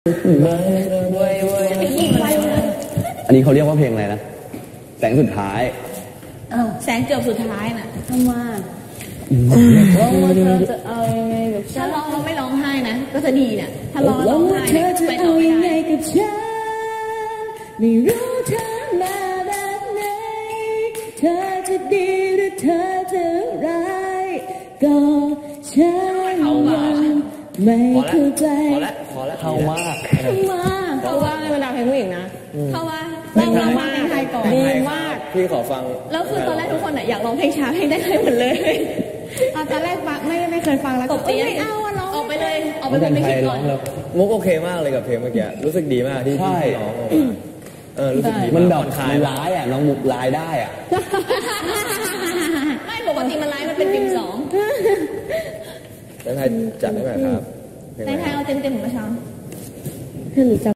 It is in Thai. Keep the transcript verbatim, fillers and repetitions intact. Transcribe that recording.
อันนี้เขาเรียกว่าเพลงอะไรนะแสงสุดท้ายแสงเกือบสุดท้ายน่ะทำไมร้องว่าเธอจะเอายังไงกับฉันถ้าร้องเราไม่ร้องไห้นะก็จะดีเนี่ยถ้าร้องร้องไห้เนี่ยไปต่อไม่ได้กับฉันไม่รู้เธอมาแบบไหนเธอจะดีหรือเธอจะร้ายก็ฉันยังไม่เข้าใจพอแล้วพอแล้วเข้ามากเข้ามาเข้าว่าในบรรดาเพลงผู้หญิงนะเข้าว่าร้องร้องเพลงไทยก่อนดีมากพี่ขอฟังแล้วคือตอนแรกทุกคนอยากร้องเพลงช้าเพลงได้เลยหมดเลยตอนแรกฟังไม่ไม่เคยฟังแล้วตบตีไม่เอาอะร้องออกไปเลยออกไปเป็นไม่คิดก่อนมุกโอเคมากเลยกับเพลงเมื่อกี้รู้สึกดีมากที่ที่ร้องเออรู้สึกดีมันแบบมันร้ายอ่ะน้องมุกร้ายได้อ่ะไม่ปกติมันร้ายมันเป็นติ่มสองแล้วไทยจัดได้ไหมครับในไทยเอาเต็มเต็มของประชา